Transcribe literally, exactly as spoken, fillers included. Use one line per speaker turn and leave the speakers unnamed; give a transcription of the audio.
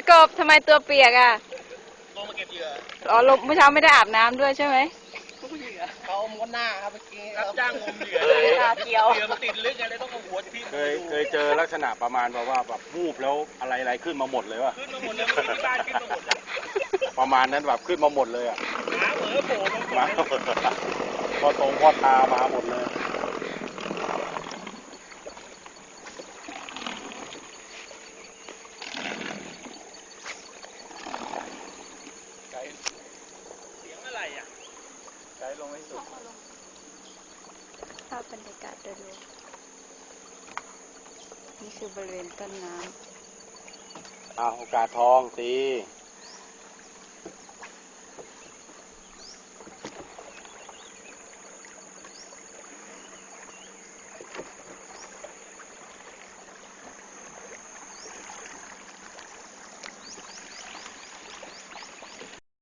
กบทำไมตัวเปียกอ่ะ
ลงมาเก็บเหยื่อ
อ๋อลงเมื่อเช้าไม่ได้อาบน้ำด้วยใช่ไหม
เขาม้วนหน้าครับเมื่อกี้รับจ้างงมเหยื่อเลยตาเขียวเหยื่อมันติดลึกไงเลยต้องเอาหัวที่
เคยเคยเจอลักษณะประมาณแบบว่าแบบวูบแล้วอะไรอะไรขึ้นมาหมดเลยวะ
ขึ้นมาหมดเลยมันที่บ้านขึ้นมาหมดเลย
ประมาณนั้นแบบขึ้นมาหมดเลยอ่ะ
หมาเหมือโผล่มา
พอตรงพอตามาหมดเลย
เสียงอะไรอ่ะ
ใจลงไม่สุด
ภาพบรรยากาศโดยรวมนี่คือบริเวณต้นน้ำ
อ่าโอกาสทองตี